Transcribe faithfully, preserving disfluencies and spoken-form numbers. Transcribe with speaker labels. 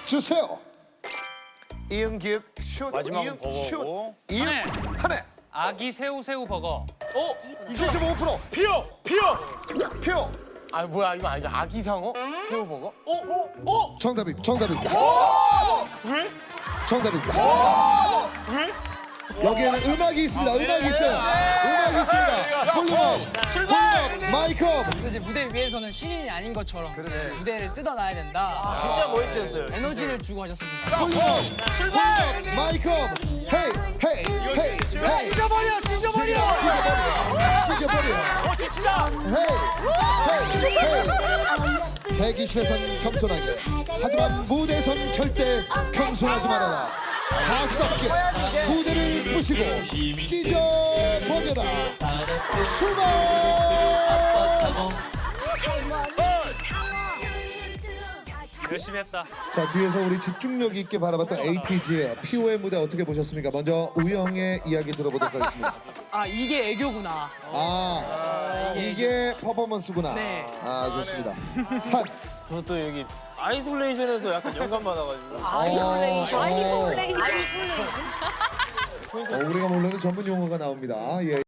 Speaker 1: 주세요. 이응기역 슛.
Speaker 2: 마지막은
Speaker 1: 이응
Speaker 2: 버거고.
Speaker 1: 슛. 이응
Speaker 3: 한해.
Speaker 1: 한해.
Speaker 3: 아기 새우 새우 버거.
Speaker 1: 칠십오 퍼센트.
Speaker 2: 피어! 피어!
Speaker 1: 표.
Speaker 4: 아 뭐야 이거 아니죠? 아기상어? 새우버거?
Speaker 2: 어? 어? 어?
Speaker 1: 정답입니다. 정답입니다.
Speaker 2: 왜?
Speaker 1: 정답입니다.
Speaker 2: 왜?
Speaker 1: 여기에는 음악이 있습니다. 음악이 있어요. 음악이 있습니다. 훌륭.
Speaker 2: 출발!
Speaker 1: 마이크.
Speaker 5: 이제 무대 위에서는 신인이 아닌 것처럼 무대를 뜯어놔야 된다.
Speaker 2: 진짜 멋있었어요.
Speaker 5: 에너지를 주고 하셨습니다.
Speaker 1: 훌륭.
Speaker 2: 출발!
Speaker 1: 마이크. 헤이 헤이 헤이 헤이.
Speaker 5: 찢어버려, 찢어버려.
Speaker 1: 찢어버려. 찢어버려.
Speaker 2: 어, 지치다!
Speaker 1: 헤이 헤이 헤이. 대기실에선 겸손하게. 하지만 무대에선 절대 겸손하지 말아라. 가수답게 무대를 부시고 찢어버려라. 출발!
Speaker 3: 열심히 했다.
Speaker 1: 자, 뒤에서 우리 집중력 있게 바라봤던 에이티즈의 피오의 무대 어떻게 보셨습니까? 먼저 우영의 이야기 들어보도록 하겠습니다.
Speaker 5: 아 이게 애교구나.
Speaker 1: 아, 이게 퍼포먼스구나.
Speaker 5: 네.
Speaker 1: 아, 좋습니다. 산.
Speaker 2: 저는 또 여기 아이솔레이션에서 약간 영감 받아가지고.
Speaker 1: 아이솔레이션.
Speaker 6: 아이솔레이션.
Speaker 1: 어, 우리가 모르는 전문 용어가 나옵니다. 예.